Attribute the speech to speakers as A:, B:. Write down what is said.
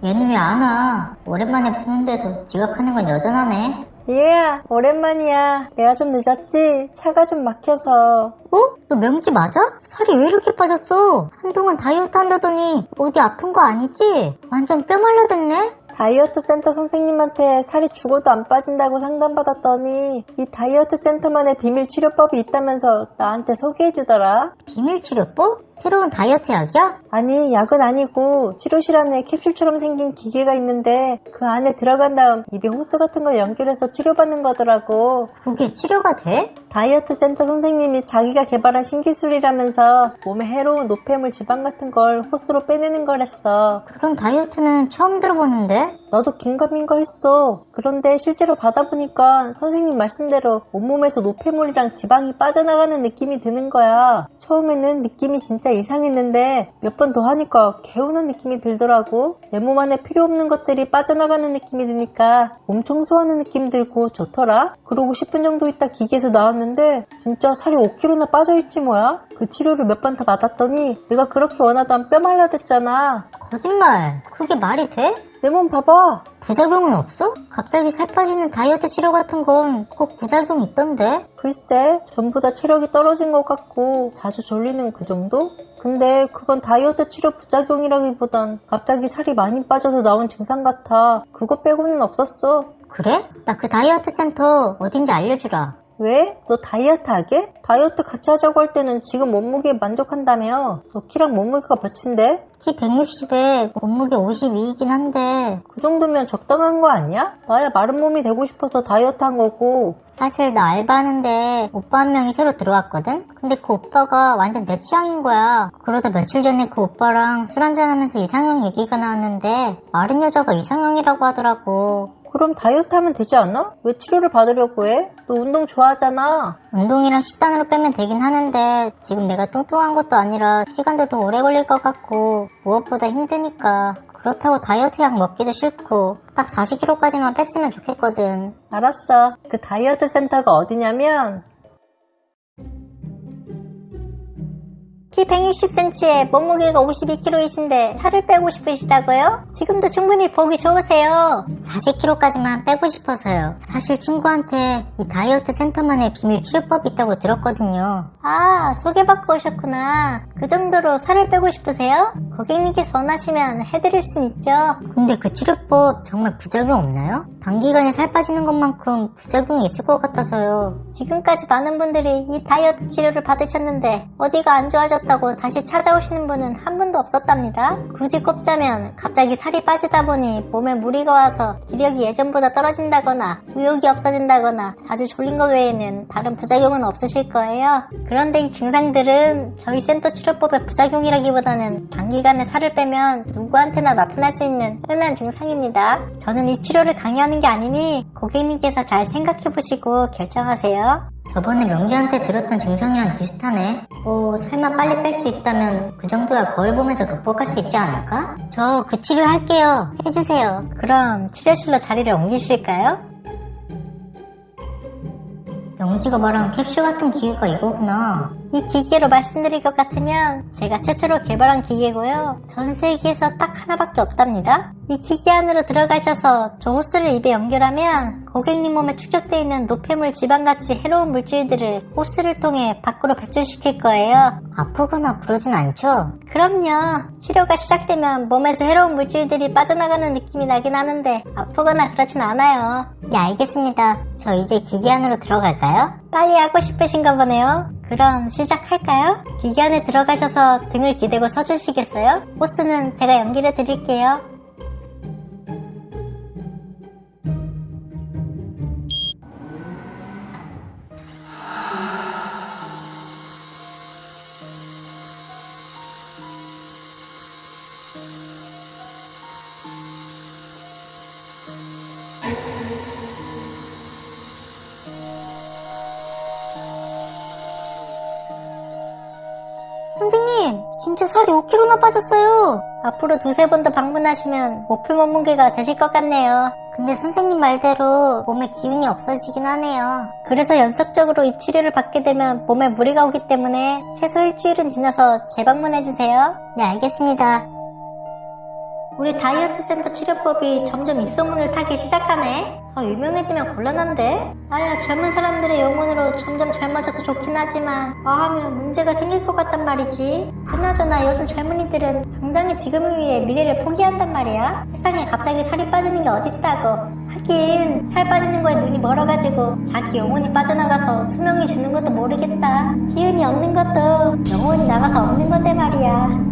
A: 얘는 왜 안 와? 오랜만에 보는데도 지각하는 건 여전하네.
B: 얘야, 오랜만이야. 내가 좀 늦었지? 차가 좀 막혀서.
A: 어? 너 명지 맞아? 살이 왜 이렇게 빠졌어? 한동안 다이어트 한다더니 어디 아픈 거 아니지? 완전 뼈 말라됐네?
B: 다이어트 센터 선생님한테 살이 죽어도 안 빠진다고 상담받았더니 이 다이어트 센터만의 비밀 치료법이 있다면서 나한테 소개해주더라.
A: 비밀 치료법? 새로운 다이어트 약이야?
B: 아니, 약은 아니고 치료실 안에 캡슐처럼 생긴 기계가 있는데 그 안에 들어간 다음 입에 호스 같은 걸 연결해서 치료받는 거더라고.
A: 그게 치료가 돼?
B: 다이어트 센터 선생님이 자기가 개발한 신기술이라면서 몸에 해로운 노폐물 지방 같은 걸 호스로 빼내는 거랬어.
A: 그런 다이어트는 처음 들어보는데?
B: 나도 긴가민가 했어. 그런데 실제로 받아보니까 선생님 말씀대로 온몸에서 노폐물이랑 지방이 빠져나가는 느낌이 드는 거야. 처음에는 느낌이 진짜 이상했는데 몇 번 더 하니까 개운한 느낌이 들더라고. 내 몸 안에 필요 없는 것들이 빠져나가는 느낌이 드니까 몸 청소하는 느낌 들고 좋더라. 그러고 10분 정도 있다 기계에서 나왔는데 진짜 살이 5kg나 빠져있지 뭐야. 그 치료를 몇 번 더 받았더니 내가 그렇게 원하던 뼈 말라댔잖아.
A: 거짓말. 그게 말이 돼?
B: 내 몸 봐봐.
A: 부작용은 없어? 갑자기 살 빠지는 다이어트 치료 같은 건 꼭 부작용이 있던데?
B: 글쎄, 전부 다 체력이 떨어진 것 같고 자주 졸리는 그 정도? 근데 그건 다이어트 치료 부작용이라기보단 갑자기 살이 많이 빠져서 나온 증상 같아. 그거 빼고는 없었어.
A: 그래? 나 그 다이어트 센터 어딘지 알려주라.
B: 왜? 너 다이어트 하게? 다이어트 같이 하자고 할 때는 지금 몸무게에 만족한다며. 너 키랑 몸무게가 몇인데?
A: 키 160에 몸무게 52이긴 한데
B: 그 정도면 적당한 거 아니야? 나야 마른 몸이 되고 싶어서 다이어트 한 거고.
A: 사실 나 알바하는데 오빠 한 명이 새로 들어왔거든? 근데 그 오빠가 완전 내 취향인 거야. 그러다 며칠 전에 그 오빠랑 술 한잔하면서 이상형 얘기가 나왔는데 마른 여자가 이상형이라고 하더라고.
B: 그럼 다이어트 하면 되지 않아? 왜 치료를 받으려고 해? 너 운동 좋아하잖아.
A: 운동이랑 식단으로 빼면 되긴 하는데 지금 내가 뚱뚱한 것도 아니라 시간도 더 오래 걸릴 것 같고 무엇보다 힘드니까 그렇다고 다이어트 약 먹기도 싫고 딱 40kg까지만 뺐으면 좋겠거든.
B: 알았어. 그 다이어트 센터가 어디냐면 키 160cm에 몸무게가 52kg이신데 살을 빼고 싶으시다고요? 지금도 충분히 보기 좋으세요.
A: 40kg까지만 빼고 싶어서요. 사실 친구한테 이 다이어트 센터만의 비밀 치료법이 있다고 들었거든요.
B: 아, 소개받고 오셨구나. 그 정도로 살을 빼고 싶으세요? 고객님께서 원하시면 해드릴 순 있죠.
A: 근데 그 치료법 정말 부작용 없나요? 단기간에 살 빠지는 것만큼 부작용이 있을 것 같아서요.
B: 지금까지 많은 분들이 이 다이어트 치료를 받으셨는데 어디가 안 좋아졌다고 다시 찾아오시는 분은 한 분도 없었답니다. 굳이 꼽자면 갑자기 살이 빠지다 보니 몸에 무리가 와서 기력이 예전보다 떨어진다거나 의욕이 없어진다거나 자주 졸린 것 외에는 다른 부작용은 없으실 거예요. 그런데 이 증상들은 저희 센터 치료법의 부작용이라기보다는 단기간에 살을 빼면 누구한테나 나타날 수 있는 흔한 증상입니다. 저는 이 치료를 강요하는 게 아니니 고객님께서 잘 생각해보시고 결정하세요.
A: 저번에 명주한테 들었던 증상이랑 비슷하네. 뭐 살만 빨리 뺄 수 있다면 그 정도야 거울 보면서 극복할 수 있지 않을까? 저 그 치료 할게요. 해주세요.
B: 그럼 치료실로 자리를 옮기실까요?
A: 명지가 말한 캡슐 같은 기계가 이거구나.
B: 이 기계로 말씀드릴 것 같으면 제가 최초로 개발한 기계고요. 전 세계에서 딱 하나밖에 없답니다. 이 기계 안으로 들어가셔서 저 호스를 입에 연결하면 고객님 몸에 축적되어 있는 노폐물, 지방같이 해로운 물질들을 호스를 통해 밖으로 배출시킬 거예요.
A: 아프거나 그러진 않죠?
B: 그럼요. 치료가 시작되면 몸에서 해로운 물질들이 빠져나가는 느낌이 나긴 하는데 아프거나 그러진 않아요.
A: 네, 알겠습니다. 저 이제 기계 안으로 들어갈까요?
B: 빨리 하고 싶으신가 보네요. 그럼 시작할까요? 기계 안에 들어가셔서 등을 기대고 서주시겠어요? 호스는 제가 연결해 드릴게요.
A: 선생님, 진짜 살이 5kg나 빠졌어요.
B: 앞으로 두세 번 더 방문하시면 목표 몸무게가 되실 것 같네요.
A: 근데 선생님 말대로 몸에 기운이 없어지긴 하네요.
B: 그래서 연속적으로 이 치료를 받게 되면 몸에 무리가 오기 때문에 최소 일주일은 지나서 재방문해주세요.
A: 네, 알겠습니다.
B: 우리 다이어트 센터 치료법이 점점 입소문을 타기 시작하네. 더 유명해지면 곤란한데? 나야 젊은 사람들의 영혼으로 점점 젊어져서 좋긴 하지만 하면 문제가 생길 것 같단 말이지. 그나저나 요즘 젊은이들은 당장의 지금을 위해 미래를 포기한단 말이야. 세상에 갑자기 살이 빠지는 게 어딨다고. 하긴 살 빠지는 거에 눈이 멀어가지고 자기 영혼이 빠져나가서 수명이 주는 것도 모르겠다. 기운이 없는 것도 영혼이 나가서 없는 건데 말이야.